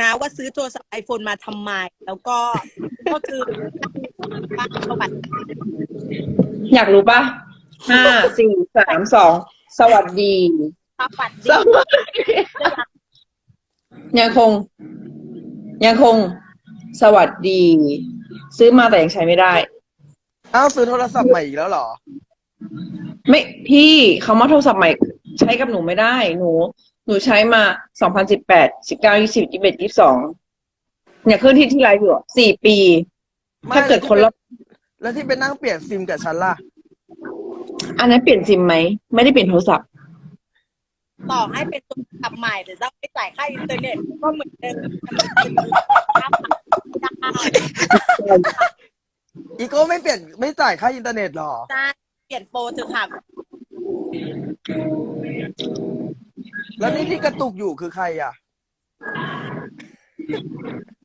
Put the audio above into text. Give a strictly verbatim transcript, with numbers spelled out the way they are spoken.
นะว่าซื้อโทรศัพท์ไอโฟนมาทำไมแล้วก็ก็คือเข้าไปอยากรู้ปะห้าสี่สามสองสวัสดีสวัสสดีวัสดียังคง ยังคง สวัสดี ซื้อมาแต่ยังใช้ไม่ได้อ้าวซื้อโทรศัพท์ใหม่อีกแล้วเหรอไม่พี่คำว่าโทรศัพท์ใหม่ใช้กับหนูไม่ได้ หนู หนูใช้มาสองพันสิบแปดสิบเก้ายี่สิบยี่สิบเอ็ดยี่สิบสองเนี่ยขึ้นที่ที่ไลฟ์อยู่อะสี่ปีไม่ถ้าเกิดคนละแล้วที่ไปนั่งเปลี่ยนซิมกับฉันล่ะอันนั้นเปลี่ยนซิมไหม ไม่ได้เปลี่ยนโทรศัพท์ต่อให้เป็นโทรศัพท์ใหม่แต่ต้องไปจ่ายค่าอินเทอร์เน็ตก็เหมือนเดิมอีโก้ไม่เปลี่ยนไม่จ่ายค่าอินเทอร์เน็ตหรอจ้าเปลี่ยนโปรเถอะค่ะแล้วนี่ที่กระตุกอยู่คือใครอ่ะ